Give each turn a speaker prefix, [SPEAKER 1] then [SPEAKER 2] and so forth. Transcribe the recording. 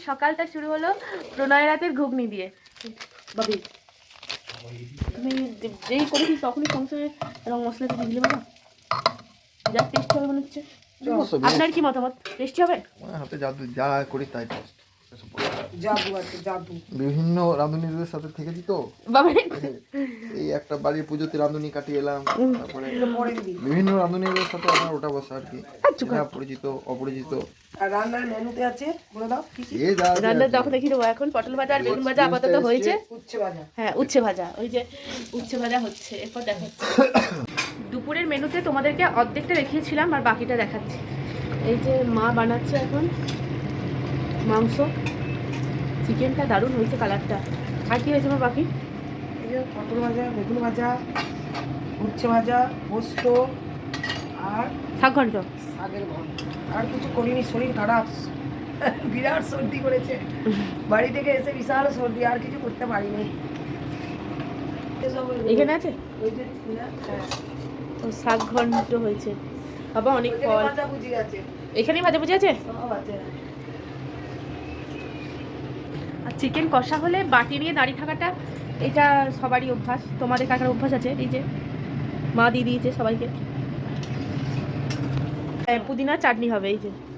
[SPEAKER 1] সকালটা শুরু হলো প্রণয় রাতের ঘুগনি দিয়ে। বাবি তুমি যেই করেছিস তখনই সংসারে রং মশলা দিয়ে দিলে বাবা, যা টেস্ট হবে মনে হচ্ছে। আপনার কি মতামত? টেস্টি হবে?
[SPEAKER 2] হাতে জাদু, যা করি তাই টেস্ট।
[SPEAKER 3] জাদু আছে, জাদু।
[SPEAKER 2] বিভিন্ন রাঁধুনিদের সাথে থেকেছি তো,
[SPEAKER 1] বাবা
[SPEAKER 2] এই একটা বাড়ির পুজোতে রাঁধুনি কাটিয়ে এলাম, তারপরে বিভিন্ন রাঁধুনিদের সাথে আমার ওটা বসা আর কি, পরিচিত অপরিচিত।
[SPEAKER 3] আর রান্নার মেনুতে আছে, বলে দাও কি কি?
[SPEAKER 1] রান্নার তখন দেখিয়ে দেবো। এখন পটল ভাজা আর বেগুন ভাজা আপাতত হয়েছে।
[SPEAKER 3] উচ্ছে ভাজা,
[SPEAKER 1] হ্যাঁ উচ্ছে ভাজা, ওই যে উচ্ছে ভাজা হচ্ছে, এরপর দেখাচ্ছি। দুপুরের মেনুতে তোমাদেরকে অর্ধেকটা দেখিয়েছিলাম আর বাকিটা দেখাচ্ছি। এই যে মা বানাচ্ছে এখন মাংস, চিকেনটা দারুণ হয়েছে কালারটা। আর কি হয়েছে আমার বাকি?
[SPEAKER 3] এই যে পটল ভাজা, বেগুন ভাজা, উচ্ছে ভাজা, পোস্ত আর
[SPEAKER 1] শাক ঘন্ট।
[SPEAKER 3] শাকের ঘন্ট। আর কিছু করিনি, শরীর খারাপ, বিরাট সর্দি করেছে। বাড়ি থেকে এসে বিশাল সর্দি, আর কিছু করতে পারিনি।
[SPEAKER 1] এখানে আছে
[SPEAKER 3] ওই যে হ্যাঁ,
[SPEAKER 1] ও শাক ঘন্ট হয়েছে। বাবা অনেক
[SPEAKER 3] ওই যে
[SPEAKER 1] ফল
[SPEAKER 3] ভাজা ভুজি আছে,
[SPEAKER 1] এখানেই ভাজা ভুজি আছে।
[SPEAKER 3] সব আছে।
[SPEAKER 1] আর চিকেন কষা হলে বাটি নিয়ে দাঁড়িয়ে থাকাটা, এটা সবারই অভ্যাস। তোমাদের কাকার অভ্যাস আছে, এই যে মা দিয়ে দিয়েছে সবাইকে। পুদিনা চাটনি হবে, এই যে